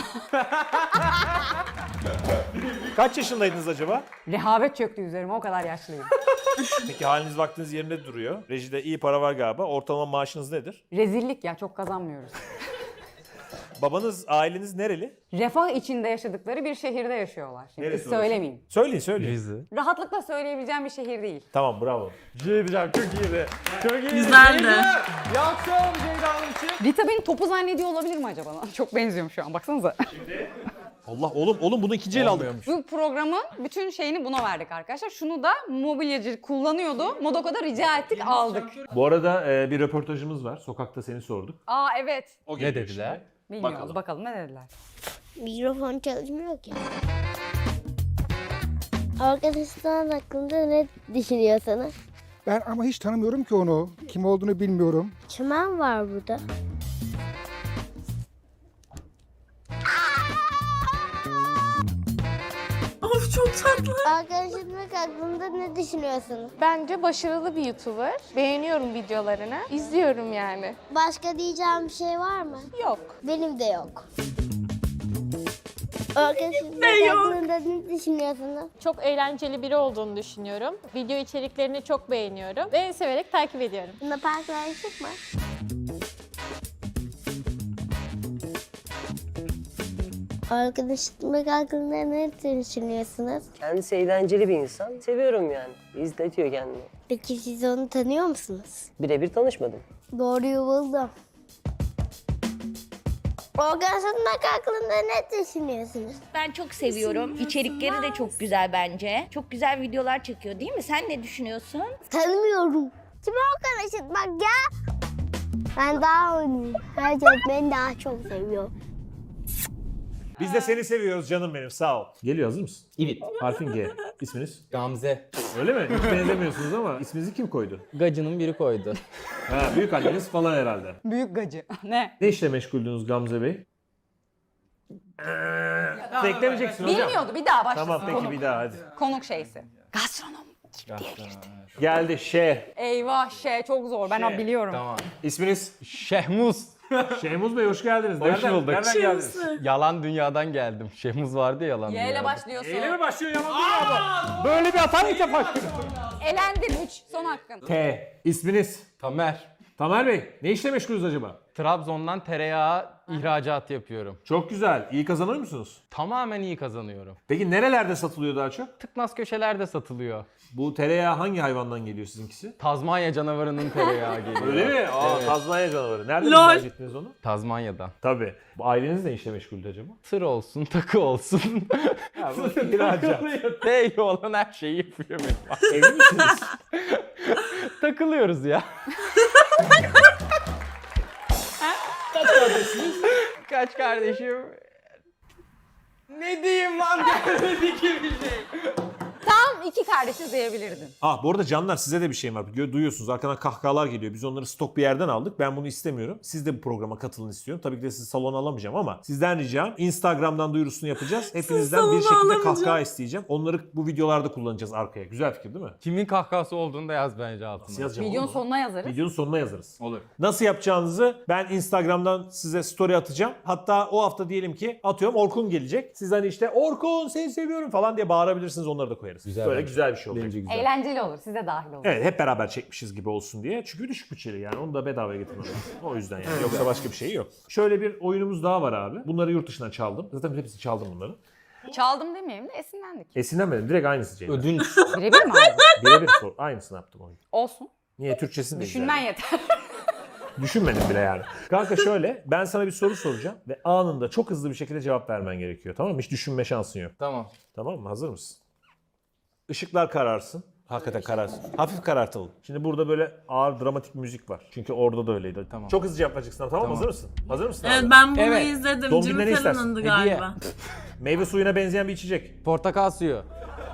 Speaker 3: Kaç yaşındaydınız acaba?
Speaker 4: Rehavet çöktü üzerime, o kadar yaşlıyım.
Speaker 3: Peki haliniz vaktiniz yerinde duruyor. Rejide iyi para var galiba. Ortalama maaşınız nedir?
Speaker 4: Rezillik ya, çok kazanmıyoruz.
Speaker 3: Babanız, aileniz nereli?
Speaker 4: Refah içinde yaşadıkları bir şehirde yaşıyorlar. Şimdi
Speaker 3: Neresi
Speaker 4: söylemeyeyim.
Speaker 3: Söyleyin.
Speaker 5: Rize.
Speaker 4: Rahatlıkla söyleyebileceğim bir şehir değil.
Speaker 3: Tamam bravo.
Speaker 5: Şey diyeceğim, çok iyiydi. Çok iyiydi.
Speaker 1: Güzeldi.
Speaker 5: Bir alkış alalım Ceyda Hanım için.
Speaker 4: Rita beni topu zannediyor olabilir mi acaba? Çok benziyorum şu an, baksanıza.
Speaker 3: Allah oğlum bunu ikinci el aldık.
Speaker 4: Bu programın bütün şeyini buna verdik arkadaşlar. Şunu da mobilyacı kullanıyordu. Modoko'da rica ettik, aldık.
Speaker 3: Bu arada bir röportajımız var. Sokakta seni sorduk.
Speaker 4: Aa evet.
Speaker 3: O
Speaker 5: Ne
Speaker 3: geliyor
Speaker 5: dediler?
Speaker 3: şimdi.
Speaker 4: Bilmiyoruz. Bakalım ne dediler.
Speaker 6: Mikrofon çalışmıyor ki. Arkadaşlar hakkında ne düşünüyorsunuz?
Speaker 7: Ben ama hiç tanımıyorum ki onu. Kim olduğunu bilmiyorum.
Speaker 6: Çimen var burada.
Speaker 1: Of çok tatlı.
Speaker 6: Arkadaşlık hakkında ne düşünüyorsunuz?
Speaker 8: Bence başarılı bir YouTuber. Beğeniyorum videolarını. İzliyorum yani.
Speaker 6: Başka diyeceğim bir şey var mı?
Speaker 8: Yok.
Speaker 6: Benim de yok. Arkadaşlık hakkında ne düşünüyorsunuz?
Speaker 8: Çok eğlenceli biri olduğunu düşünüyorum. Video içeriklerini çok beğeniyorum ve severek takip ediyorum.
Speaker 6: Bunda arkadaşlık mı? Arkadaşlık hakkında ne düşünüyorsunuz?
Speaker 9: Kendisi eğlenceli bir insan. Seviyorum yani. İzletiyor kendini.
Speaker 6: Peki siz onu tanıyor musunuz?
Speaker 9: Birebir tanışmadım.
Speaker 6: Doğruyu buldum. Arkadaşlık hakkında ne düşünüyorsunuz?
Speaker 10: Ben çok seviyorum. İçerikleri de çok güzel bence. Çok güzel videolar çekiyor değil mi? Sen ne düşünüyorsun?
Speaker 6: Tanımıyorum. Kim arkadaşlık bak ya? Ben daha oynayayım. Herkes beni daha çok seviyor.
Speaker 3: Biz de seni seviyoruz canım benim sağ ol. Geliyor hazır mısın?
Speaker 5: Evet.
Speaker 3: Harfin G. İsminiz?
Speaker 5: Gamze.
Speaker 3: Öyle mi? Hiç benzemiyorsunuz ama isminizi kim koydu?
Speaker 5: Gacının biri koydu.
Speaker 3: Ha büyük anneniz falan herhalde.
Speaker 4: Büyük gacı. Ne?
Speaker 3: Ne işle meşguldünüz Gamze Bey? Beklemeyeceksin hocam.
Speaker 4: Bilmiyordu. Bir daha başlasın.
Speaker 3: Tamam peki
Speaker 4: konuk.
Speaker 3: bir daha hadi.
Speaker 4: Konuk şeysi. Gastronom.
Speaker 3: Geldi Ş.
Speaker 4: Eyvah çok zor. Ben biliyorum.
Speaker 5: Tamam.
Speaker 3: İsminiz?
Speaker 5: Şehmuz.
Speaker 3: Şehmuz Bey hoş geldiniz.
Speaker 5: Hoş bulduk.
Speaker 3: Nereden geldiniz?
Speaker 5: Yalan dünyadan geldim. Şehmuz vardı ya, yalan
Speaker 4: Y ile
Speaker 5: dünyada.
Speaker 4: başlıyorsun.
Speaker 3: Eyle mi başlıyor yalan dünyada?
Speaker 5: Böyle bir hata ilk defa.
Speaker 4: Elendin 3. Son hakkın.
Speaker 3: T. İsminiz?
Speaker 5: Tamer.
Speaker 3: Tamer Bey. Ne işle meşgulüz acaba?
Speaker 5: Trabzon'dan tereyağı ihracatı yapıyorum.
Speaker 3: Çok güzel. İyi kazanıyor musunuz?
Speaker 5: Tamamen iyi kazanıyorum.
Speaker 3: Peki nerelerde satılıyor daha çok?
Speaker 5: Tıknaz köşelerde satılıyor.
Speaker 3: Bu tereyağı hangi hayvandan geliyor sizinkisi?
Speaker 5: Tazmanya canavarının tereyağı geliyor.
Speaker 3: Öyle mi? Aa,
Speaker 5: Evet.
Speaker 3: Tazmanya canavarı. Nereden
Speaker 1: Lol.
Speaker 3: ithal ettiniz onu?
Speaker 5: Tazmanya'dan.
Speaker 3: Tabii. Bu aileniz ne işle meşguldü acaba?
Speaker 5: Tır olsun, takı olsun.
Speaker 3: Ha, bu ihracat.
Speaker 5: T olan her şeyi yapıyor benim.
Speaker 3: Evli misiniz?
Speaker 5: Takılıyoruz ya.
Speaker 3: Kaç kardeşsiniz?
Speaker 5: Kaç kardeşim? Ne diyeyim lan, gelmedi ki bir şey.
Speaker 8: Tam
Speaker 4: Tamam, iki kardeşiz diyebilirdin.
Speaker 3: Bu arada canlar, size de bir şeyim var. Duyuyorsunuz arkadan kahkahalar geliyor. Biz onları stok bir yerden aldık. Ben bunu istemiyorum. Siz de bu programa katılın istiyorum. Tabii ki de sizi salona alamayacağım ama sizden ricam Instagram'dan duyurusunu yapacağız. Hepinizden bir
Speaker 1: salona
Speaker 3: şekilde
Speaker 1: alamayacağım.
Speaker 3: kahkaha isteyeceğim. Onları bu videolarda kullanacağız arkaya. Güzel fikir değil mi?
Speaker 5: Kimin kahkahası olduğunu da yaz bence altına.
Speaker 3: Nasıl yazacağım
Speaker 4: Videonun
Speaker 3: oğlum?
Speaker 4: sonuna yazarız.
Speaker 3: Videonun sonuna yazarız.
Speaker 5: Olur.
Speaker 3: Nasıl yapacağınızı ben Instagram'dan size story atacağım. Hatta o hafta diyelim ki atıyorum Orkun gelecek. Siz hani işte Orkun seni seviyorum falan diye bağırabilirsiniz, onları da koyarız.
Speaker 5: Güzel
Speaker 3: Böyle
Speaker 5: bence.
Speaker 3: güzel bir şey olacak.
Speaker 5: Bence güzel.
Speaker 4: Eğlenceli olur. Siz de dahil olun.
Speaker 3: Evet, hep beraber çekmişiz gibi olsun diye. Çünkü düşük bütçeli yani. Onu da bedavaya getirmek lazım. O yüzden yani. Yoksa başka bir şey yok. Şöyle bir oyunumuz daha var abi. Bunları yurt dışından çaldım. Zaten hepsini çaldım bunları.
Speaker 4: Çaldım demeyeyim de esinlendik.
Speaker 3: Esinlenmedim. Direkt aynısı Ceyda.
Speaker 5: Ödünç.
Speaker 4: Birebir mi aldın?
Speaker 3: Birebir sor. Aynısını yaptım oyun.
Speaker 4: Olsun.
Speaker 3: Niye? Türkçesini de
Speaker 4: Düşünmen
Speaker 3: güzel.
Speaker 4: yeter.
Speaker 3: Düşünmedim bile yani. Kanka şöyle, ben sana bir soru soracağım ve anında çok hızlı bir şekilde cevap vermen gerekiyor. Tamam mı? Hiç düşünme şansın yok.
Speaker 5: Tamam.
Speaker 3: Tamam mı? Hazır mısın? Işıklar kararsın. Hakikaten kararsın. Hafif karartalım. Şimdi burada böyle ağır dramatik müzik var. Çünkü orada da öyleydi.
Speaker 5: Tamam.
Speaker 3: Çok hızlı cevap vereceksin. Tamam,
Speaker 5: Tamam.
Speaker 3: Hazır mısın? Hazır mısın
Speaker 1: Evet
Speaker 3: abi?
Speaker 1: ben bunu
Speaker 5: Evet.
Speaker 1: izledim.
Speaker 3: Don
Speaker 1: Jimmy
Speaker 3: Bilal ne istersin?
Speaker 1: Fallon'ındı
Speaker 5: Hediye.
Speaker 1: galiba.
Speaker 3: Meyve suyuna benzeyen bir içecek.
Speaker 5: Portakal suyu.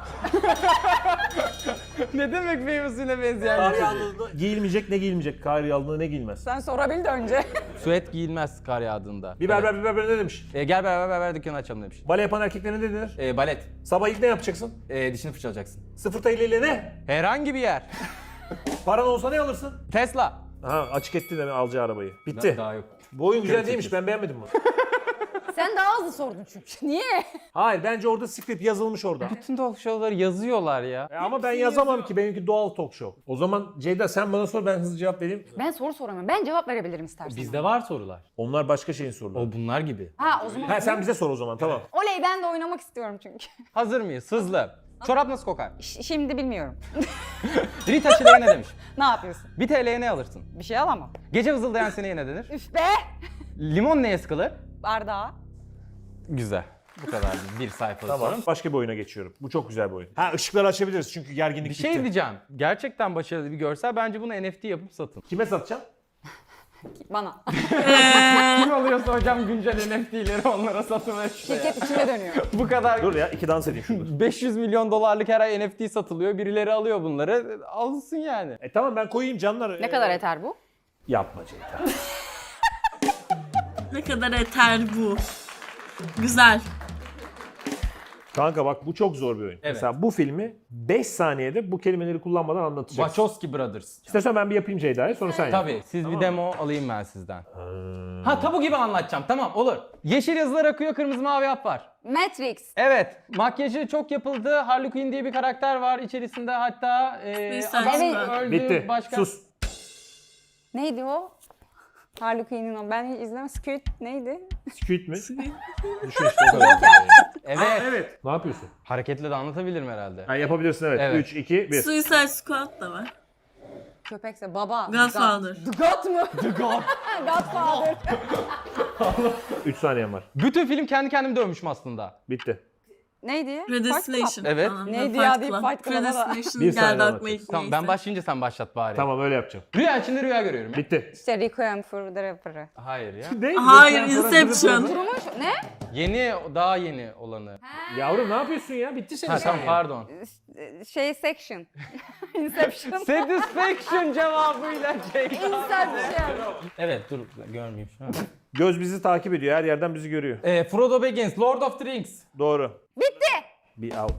Speaker 5: Ne demek meyve suyuna benzeyen
Speaker 3: Kar
Speaker 5: bir şey?
Speaker 3: yağdığında giyilmeyecek, ne giyilmeyecek? Kar yağdığında ne giyilmez?
Speaker 4: Sen sorabil de önce.
Speaker 5: Süet giyilmez kar yağdığında.
Speaker 3: Biber ne demiş?
Speaker 5: Gel beraber dükkanı açalım demiş.
Speaker 3: Bale yapan erkeklere ne denir?
Speaker 5: Balet.
Speaker 3: Sabah ilk ne yapacaksın?
Speaker 5: Dişini fırçalayacaksın.
Speaker 3: 0 TL ile ne?
Speaker 5: Herhangi bir yer.
Speaker 3: Paran olsa ne alırsın?
Speaker 5: Tesla.
Speaker 3: Aha, açık etti de alacağı arabayı. Bitti.
Speaker 5: Daha yok.
Speaker 3: Bu oyun güzel değilmiş, ben beğenmedim bunu.
Speaker 4: Sen daha hızlı sordun çünkü. Niye?
Speaker 3: Hayır, bence orada script yazılmış orada.
Speaker 5: Bütün talk show'ları yazıyorlar ya.
Speaker 3: Ama ben yazamam ki, benimki doğal talk show. O zaman Ceyda sen bana sor, ben hızlı cevap vereyim.
Speaker 4: Ben soru soramıyorum. Ben cevap verebilirim istersen.
Speaker 5: Bizde var sorular.
Speaker 3: Onlar başka şeyin soruları.
Speaker 5: O bunlar gibi.
Speaker 4: Ha o zaman.
Speaker 3: Ha, sen bize sor o zaman, tamam.
Speaker 4: Oley, ben de oynamak istiyorum çünkü.
Speaker 5: Hazır mıyız? Hızlı. Çorap nasıl kokar?
Speaker 4: Şimdi bilmiyorum.
Speaker 5: Rita Çilek'e ne demiş?
Speaker 4: Ne yapıyorsun?
Speaker 5: 1 TL'ye ne alırsın?
Speaker 4: Bir şey alamam.
Speaker 5: Gece vızıldayan sineğe ne denir?
Speaker 4: Üf be!
Speaker 5: Limon neye sıkılır?
Speaker 4: Bardağı.
Speaker 5: Güzel. Bu kadar bir sayfalık
Speaker 3: Tamam.
Speaker 5: soru.
Speaker 3: Başka bir oyuna geçiyorum. Bu çok güzel bir oyun. Ha, ışıkları açabiliriz çünkü gerginlik
Speaker 5: Bir şey
Speaker 3: bitti.
Speaker 5: diyeceğim. Gerçekten başarılı bir görsel. Bence bunu NFT yapıp satın.
Speaker 3: Kime satacağım?
Speaker 4: Bana.
Speaker 5: Kim alıyorsa hocam güncel NFT'leri onlara satılıyor şuraya.
Speaker 4: Şirket içinde dönüyor.
Speaker 5: Bu kadar
Speaker 3: Dur ya, 2 dans edeyim şurada.
Speaker 5: 500 milyon dolarlık her ay NFT satılıyor. Birileri alıyor bunları. Alsın yani.
Speaker 3: Tamam, ben koyayım canlar.
Speaker 4: Ne kadar yeter bu?
Speaker 3: Yapma Ceyda.
Speaker 1: Ne kadar eter bu. Güzel.
Speaker 3: Kanka bak, bu çok zor bir oyun.
Speaker 5: Evet.
Speaker 3: Mesela bu filmi 5 saniyede bu kelimeleri kullanmadan anlatacaksın.
Speaker 5: Wachowski Brothers.
Speaker 3: İstersen ben bir yapayım Ceyda'ya, sonra sen yap.
Speaker 5: Tabii. Siz bir demo alayım ben sizden. Ha tabu gibi anlatacağım. Tamam olur. Yeşil yazılar akıyor, kırmızı mavi hap var.
Speaker 4: Matrix.
Speaker 5: Evet. Makyajı çok yapıldı. Harley Quinn diye bir karakter var içerisinde. Hatta
Speaker 1: Neyse,
Speaker 5: adam
Speaker 1: evet.
Speaker 5: öldü.
Speaker 3: Bitti.
Speaker 5: Başka...
Speaker 3: Sus.
Speaker 4: Neydi o? Harley Quinn'in o. Ben hiç izlemem. Squid neydi?
Speaker 3: Squid mi? Düşün işte o kadar.
Speaker 5: Evet.
Speaker 3: Evet. Ne yapıyorsun?
Speaker 5: Hareketle de anlatabilirim herhalde.
Speaker 3: Ha, yapabilirsin evet.
Speaker 5: Evet.
Speaker 3: 3, 2, 1.
Speaker 1: Suicide Squad da var.
Speaker 4: Köpekse baba.
Speaker 1: Godfather.
Speaker 4: The God mu? The God. Godfather.
Speaker 3: 3 saniyen var.
Speaker 5: Bütün film kendi kendimi dövmüşüm aslında.
Speaker 3: Bitti.
Speaker 4: Neydi?
Speaker 1: Predestination.
Speaker 5: Evet.
Speaker 1: falan.
Speaker 4: Neydi
Speaker 1: Fight
Speaker 4: ya deyip
Speaker 1: Club.
Speaker 4: Fight Club'a da-
Speaker 1: Predestination
Speaker 3: Bir saniye
Speaker 1: geldi aklıma
Speaker 3: anlatacağız.
Speaker 1: ilk
Speaker 5: Tamam
Speaker 1: neyse.
Speaker 5: ben başlayınca sen başlat bari.
Speaker 3: Tamam, öyle yapacağım.
Speaker 5: Rüya içinde rüya görüyorum ya.
Speaker 3: Bitti.
Speaker 4: İşte Requiem for the Rapper'ı.
Speaker 5: Hayır ya.
Speaker 3: Ne?
Speaker 1: Hayır,
Speaker 3: Lütfen sonra
Speaker 1: Inception.
Speaker 4: Durmuş. Ne?
Speaker 5: Yeni, daha yeni olanı.
Speaker 3: Yavrum ne yapıyorsun ya? Bitti senin
Speaker 5: Ha tamam
Speaker 3: saniyen.
Speaker 5: pardon.
Speaker 4: Section. Inception.
Speaker 5: Satisfaction cevabıyla Ceyda.
Speaker 4: Inception.
Speaker 5: Evet dur görmeyeyim şu an.
Speaker 3: Göz bizi takip ediyor. Her yerden bizi görüyor.
Speaker 5: Frodo Baggins, Lord of the Rings.
Speaker 3: Doğru.
Speaker 4: Bitti.
Speaker 3: Bir av.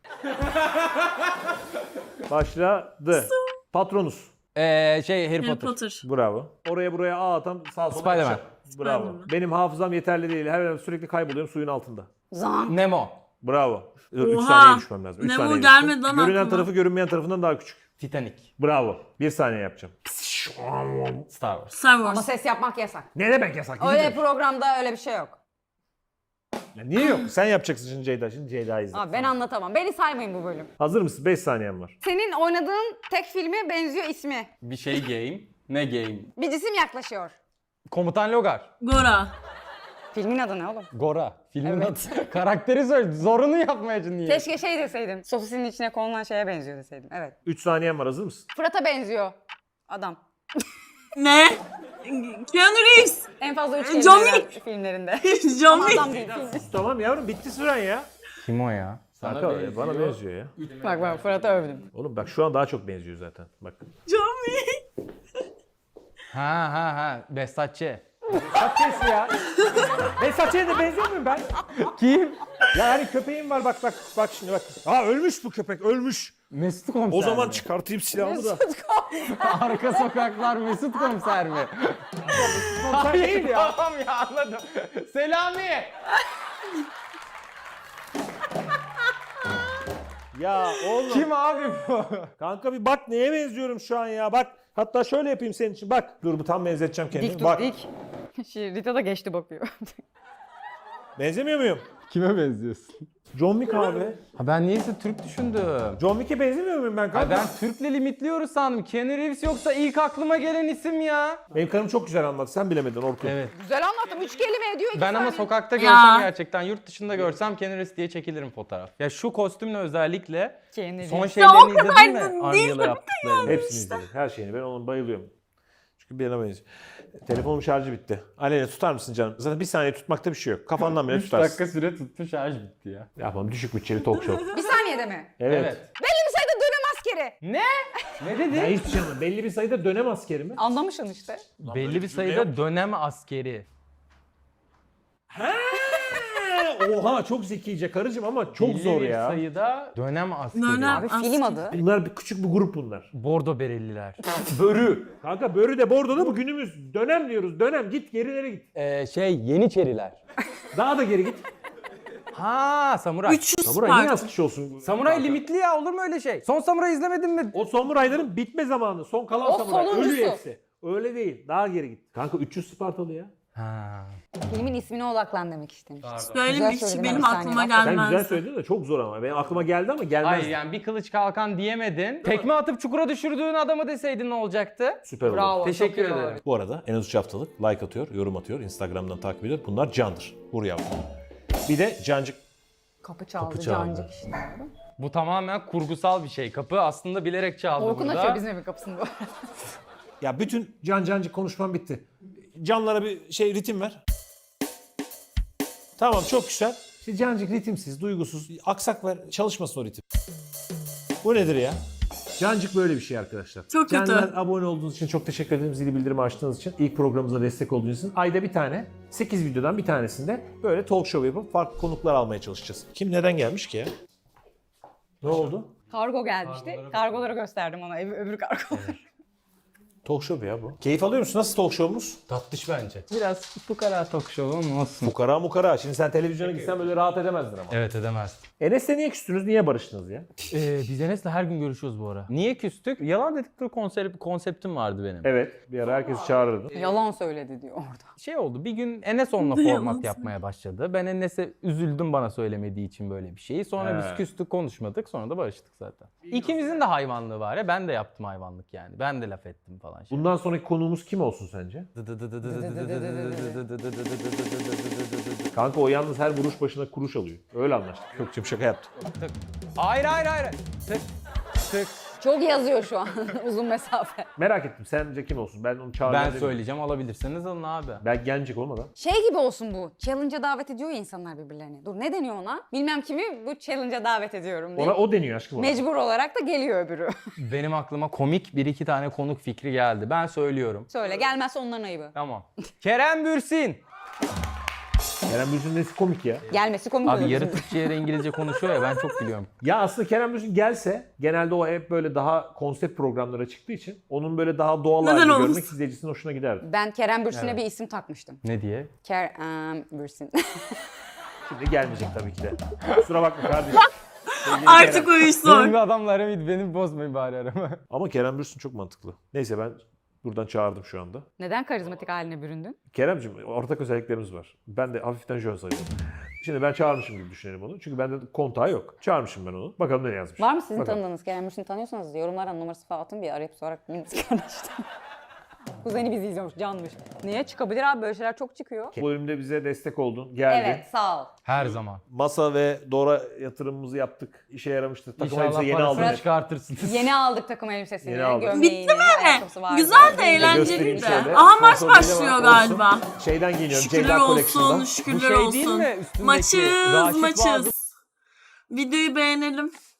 Speaker 3: Başladı. Patronus.
Speaker 5: Harry
Speaker 1: Harry
Speaker 5: Potter.
Speaker 1: Potter.
Speaker 3: Bravo. Oraya buraya ağ atan sağ sola
Speaker 5: Spider-Man.
Speaker 3: kaçar. Bravo.
Speaker 1: Spider-Man.
Speaker 3: Benim hafızam yeterli değil. Her an sürekli kayboluyorum suyun altında.
Speaker 4: Zan.
Speaker 5: Nemo.
Speaker 3: Bravo. 3
Speaker 1: Oha.
Speaker 3: saniye düşmem lazım. 3
Speaker 1: Nemo
Speaker 3: saniye
Speaker 1: gelmedi
Speaker 3: düştüm.
Speaker 1: lan
Speaker 3: Görünen
Speaker 1: aklıma.
Speaker 3: tarafı görünmeyen tarafından daha küçük.
Speaker 5: Titanic.
Speaker 3: Bravo. 1 saniye yapacağım.
Speaker 5: Star Wars.
Speaker 1: Star
Speaker 4: Ama
Speaker 1: Wars.
Speaker 4: ses yapmak yasak.
Speaker 3: Ne demek yasak?
Speaker 4: Öyle programda öyle bir şey yok.
Speaker 3: Ya niye yok? Sen yapacaksın şimdi Ceyda. Şimdi Ceyda'yı izle.
Speaker 4: Abi ben anlatamam. Beni saymayın bu bölüm.
Speaker 3: Hazır mısın? 5 saniyen var.
Speaker 4: Senin oynadığın tek filme benziyor ismi.
Speaker 5: Bir şey game. Ne game?
Speaker 4: Bir cisim yaklaşıyor.
Speaker 5: Komutan Logar.
Speaker 1: Gora.
Speaker 4: Filmin adı ne oğlum?
Speaker 5: Gora. Filmin
Speaker 4: Evet.
Speaker 5: adı. Karakteri söyle. Zorunu yapmayacağım niye?
Speaker 4: Keşke şey deseydim. Sosisinin içine konulan şeye benziyor deseydim. Evet.
Speaker 3: 3 saniyen var. Hazır mısın?
Speaker 4: Fırat'a benziyor. Adam.
Speaker 1: Ne? Keanu Reeves.
Speaker 4: En fazla 3
Speaker 1: John
Speaker 4: kelime
Speaker 1: Wick.
Speaker 4: filmlerinde.
Speaker 1: John
Speaker 4: Ama
Speaker 1: Wick.
Speaker 4: adam değil. Film.
Speaker 3: Tamam yavrum, bitti süren ya.
Speaker 5: Kim o ya? Sana
Speaker 3: Kanka
Speaker 5: benziyor.
Speaker 3: bana benziyor ya.
Speaker 4: Bak ben Fırat'ı övdüm.
Speaker 3: Oğlum bak şu an daha çok benziyor zaten. Bak.
Speaker 5: Ha. Besatçı.
Speaker 3: Saççısı ya. Ben Saççı'ya da benziyor muyum ben?
Speaker 5: Kim?
Speaker 3: Ya hani köpeğim var bak şimdi bak. Aa ölmüş bu köpek ölmüş.
Speaker 5: Mesut Komiser
Speaker 3: O zaman
Speaker 5: mi?
Speaker 3: çıkartayım silahımı da.
Speaker 5: Arka sokaklar Mesut Komiser mi?
Speaker 3: Komiser değil ya.
Speaker 5: Tamam ya anladım. Selami.
Speaker 3: Ya oğlum.
Speaker 5: Kim abi bu?
Speaker 3: Kanka bir bak neye benziyorum şu an ya bak. Hatta şöyle yapayım senin için bak. Dur bu tam benzeteceğim kendimi.
Speaker 4: Dik dur
Speaker 3: Bak.
Speaker 4: dik. Rita da geçti bakıyor.
Speaker 3: Benzemiyor muyum?
Speaker 5: Kime benziyorsun?
Speaker 3: John Wick abi.
Speaker 5: Ha ben niyeyse Türk düşündüm.
Speaker 3: John Wick'e benzemiyor muyum ben
Speaker 5: Ha
Speaker 3: kanka?
Speaker 5: ben Türk'le limitliyoruz sandım. Keanu Reeves yoksa ilk aklıma gelen isim ya.
Speaker 3: Benim karım çok güzel anlattı. Sen bilemedin Orkun.
Speaker 5: Evet.
Speaker 4: Güzel anlattım. 3 kelime ediyor 2
Speaker 5: Ben ama
Speaker 4: saniye.
Speaker 5: sokakta
Speaker 1: Ya.
Speaker 5: görsem gerçekten yurt dışında görsem Keanu Reeves diye çekilirim fotoğraf. Ya şu kostümle özellikle
Speaker 4: Keanu
Speaker 5: son
Speaker 4: Reeves.
Speaker 5: şeylerini izledin mi?
Speaker 1: değil
Speaker 5: Angela yaptıklarını.
Speaker 3: Hepsini izledim. Her şeyini. Ben onun bayılıyorum. Çünkü birine benziyor. Telefonum şarjı bitti. Aleyna tutar mısın canım? Zaten bir saniye tutmakta bir şey yok. Kafandan bile
Speaker 5: 3
Speaker 3: tutarsın.
Speaker 5: dakika süre tuttu şarj bitti ya.
Speaker 3: Yapalım düşük bütçeli talk show.
Speaker 4: Bir saniyede mi?
Speaker 3: Evet.
Speaker 4: Belli bir sayıda dönem askeri.
Speaker 5: Ne? Ne dedi?
Speaker 3: Ya hiçbir şey anlamadım. Belli bir sayıda dönem askeri mi?
Speaker 4: Anlamışsın işte.
Speaker 5: Belli bir sayıda dönem askeri.
Speaker 3: Oha çok zekice karıcığım ama çok
Speaker 5: Belli
Speaker 3: zor
Speaker 5: bir
Speaker 3: ya.
Speaker 5: sayıda dönem askeri.
Speaker 1: Dönem.
Speaker 4: Abi film adı.
Speaker 3: Bunlar bir küçük bir grup bunlar.
Speaker 5: Bordo bereliler.
Speaker 3: Börü. Kanka börü de bordoda bu günümüz. Dönem diyoruz. Dönem git gerilere git.
Speaker 5: Yeniçeriler.
Speaker 3: Daha da geri git.
Speaker 5: Ha samuray.
Speaker 1: 300
Speaker 3: Samuray niye
Speaker 1: Spark.
Speaker 3: az kişi olsun?
Speaker 5: Samuray
Speaker 3: Kanka.
Speaker 5: limitli ya olur mu öyle şey? Son samuray izlemedin mi?
Speaker 3: O samurayların bitme zamanı. Son kalan
Speaker 4: O
Speaker 3: samuray.
Speaker 4: sonuncusu.
Speaker 3: Ölüyor hepsi. Öyle değil. Daha geri git. Kanka 300 Spartalı ya.
Speaker 5: Ha.
Speaker 4: Filmin ismine odaklan demek istemiş.
Speaker 1: Söyleyeyim
Speaker 4: Güzel
Speaker 1: bir kişi
Speaker 4: söyledin,
Speaker 1: benim
Speaker 4: bir saniye
Speaker 1: aklıma
Speaker 4: bak.
Speaker 3: Sen
Speaker 1: gelmez.
Speaker 3: güzel söyledin de çok zor ama. Benim aklıma geldi ama gelmez.
Speaker 5: Hayır yani bir kılıç kalkan diyemedin. Tekme atıp çukura düşürdüğün adamı deseydin ne olacaktı?
Speaker 3: Süper oldu.
Speaker 4: Bravo.
Speaker 5: Teşekkür
Speaker 4: çok iyi
Speaker 5: ederim.
Speaker 4: oldu.
Speaker 3: Bu arada en az 3 haftalık like atıyor, yorum atıyor, Instagram'dan takip ediyor. Bunlar candır. Vur yavrum. Bir de cancık.
Speaker 4: Kapı çaldı,
Speaker 3: Kapı çaldı.
Speaker 4: cancık işte.
Speaker 5: Bu tamamen kurgusal bir şey. Kapı aslında bilerek çaldı
Speaker 4: Orkun
Speaker 5: burada.
Speaker 4: açıyor bizim evin kapısını bu.
Speaker 3: Ya bütün cancık konuşmam bitti. Canlara bir şey ritim ver. Tamam çok güzel. İşte cancık ritimsiz, duygusuz, aksak ver. Çalışmasın o ritim. Bu nedir ya? Cancık böyle bir şey arkadaşlar.
Speaker 1: Çok kötü.
Speaker 3: Canlar abone olduğunuz için çok teşekkür ederim. Zili bildirimi açtığınız için. İlk programımıza destek olduğunuz için. Ayda bir tane, 8 videodan bir tanesinde böyle talk show yapıp farklı konuklar almaya çalışacağız. Kim neden gelmiş ki ya? Ne oldu?
Speaker 4: Kargo gelmişti. Kargoları gösterdim ona, öbür kargoları.
Speaker 3: Talk show ya bu. Keyif alıyor musun? Nasıl talk show'umuz?
Speaker 5: Tatlış bence. Biraz fukara talk show'um olsun.
Speaker 3: Fukara mukara. Şimdi sen televizyona gitsen böyle rahat edemezdin ama.
Speaker 5: Evet edemez.
Speaker 3: Enes'le niye küstünüz? Niye barıştınız ya?
Speaker 5: Biz Enes'le her gün görüşüyoruz bu ara. Niye küstük? Yalan dedikleri konseptim vardı benim.
Speaker 3: Evet. Bir ara herkesi çağırırdın.
Speaker 4: Yalan söyledi diyor orada.
Speaker 5: Şey oldu bir gün Enes onunla format yapmaya başladı. Ben Enes'e üzüldüm bana söylemediği için böyle bir şeyi. Sonra biz küstük konuşmadık sonra da barıştık zaten. İkimizin de hayvanlığı var ya ben de yaptım hayvanlık yani. Ben de laf ettim falan.
Speaker 3: Bundan sonraki konuğumuz kim olsun sence? Kanka o yalnız her vuruş başına kuruş alıyor. Öyle anlaştık. Gökçem şaka yaptım.
Speaker 5: Hayır. Tık. Tık.
Speaker 4: Çok yazıyor şu an uzun mesafe.
Speaker 3: Merak ettim. Sence kim olsun? Ben onu çağıracağım.
Speaker 5: Ben
Speaker 3: demiyorum.
Speaker 5: söyleyeceğim alabilirseniz alın abi.
Speaker 3: Ben gelecek olmadan.
Speaker 4: Şey gibi olsun bu. Challenge'a davet ediyor ya insanlar birbirlerini. Dur ne deniyor ona? Bilmem kimi bu challenge'a davet ediyorum diye.
Speaker 3: Ona o deniyor aşkım. ona.
Speaker 4: Mecbur olarak da geliyor öbürü.
Speaker 5: Benim aklıma komik bir iki tane konuk fikri geldi. Ben söylüyorum.
Speaker 4: Söyle gelmezse onların ayıbı.
Speaker 5: Tamam. Kerem Bürsin.
Speaker 3: Kerem Bürsin nesi komik ya?
Speaker 4: Gelmesi komik
Speaker 5: Abi
Speaker 4: olur.
Speaker 5: yarı Türkçe yarı İngilizce konuşuyor ya ben çok biliyorum.
Speaker 3: Ya aslında Kerem Bürsin gelse genelde o hep böyle daha konsept programlara çıktığı için onun böyle daha doğal
Speaker 1: Neden
Speaker 3: halini
Speaker 1: olmasın?
Speaker 3: görmek izleyicisinin hoşuna giderdi.
Speaker 4: Ben Kerem Bürsin'e bir isim takmıştım.
Speaker 5: Ne diye?
Speaker 4: Kerem Bürsin.
Speaker 3: Şimdi gelmeyecek tabii ki de. Kusura bakma kardeşim. Sevgili
Speaker 1: Artık
Speaker 3: Kerem.
Speaker 1: o iş zor.
Speaker 5: Benim bir adamla aramı beni bozmayın bari arama.
Speaker 3: Ama Kerem Bürsin çok mantıklı. Neyse ben buradan çağırdım şu anda.
Speaker 4: Neden karizmatik haline büründün?
Speaker 3: Kerem'cim ortak özelliklerimiz var. Ben de hafiften jön sayıyorum. Şimdi ben çağırmışım gibi düşünelim onu. Çünkü bende kontağı yok. Çağırmışım ben onu. Bakalım ne yazmış.
Speaker 4: Var mı sizin
Speaker 3: Bakalım.
Speaker 4: tanıdığınız Kerem Bürsin'i tanıyorsanız yorumlara numarası falan atın bir arayıp sorarak biliriz kardeşten. Kuzeni bizi izliyormuş, canmış. Niye? Çıkabilir abi böyle şeyler çok çıkıyor.
Speaker 3: Bu bölümde bize destek oldun. Geldin.
Speaker 4: Evet sağ ol.
Speaker 5: Her zaman.
Speaker 3: Masa ve Dora yatırımımızı yaptık. İşe yaramıştı. Takım elbise
Speaker 5: İnşallah
Speaker 3: yeni
Speaker 5: parasını
Speaker 3: aldım.
Speaker 5: çıkartırsınız.
Speaker 4: Yeni aldık takım elbisesini,
Speaker 3: Yeni aldık.
Speaker 4: gömleğini, ayakkabısı vardı.
Speaker 1: Güzel de
Speaker 3: Göstereyim
Speaker 1: eğlenceliydi.
Speaker 3: şöyle.
Speaker 1: Aha maç
Speaker 3: Sponsorluğuyla
Speaker 1: başlıyor
Speaker 3: olsun.
Speaker 1: galiba.
Speaker 3: Şeyden giyiniyorum.
Speaker 1: Şükürler
Speaker 3: Ceyda
Speaker 1: olsun,
Speaker 3: Collection'dan.
Speaker 1: şükürler
Speaker 5: Bu şey değil
Speaker 1: olsun.
Speaker 5: mi? Üstündeki
Speaker 1: Maçız,
Speaker 5: Raşit
Speaker 1: maçız.
Speaker 5: Vazım.
Speaker 1: Videoyu beğenelim.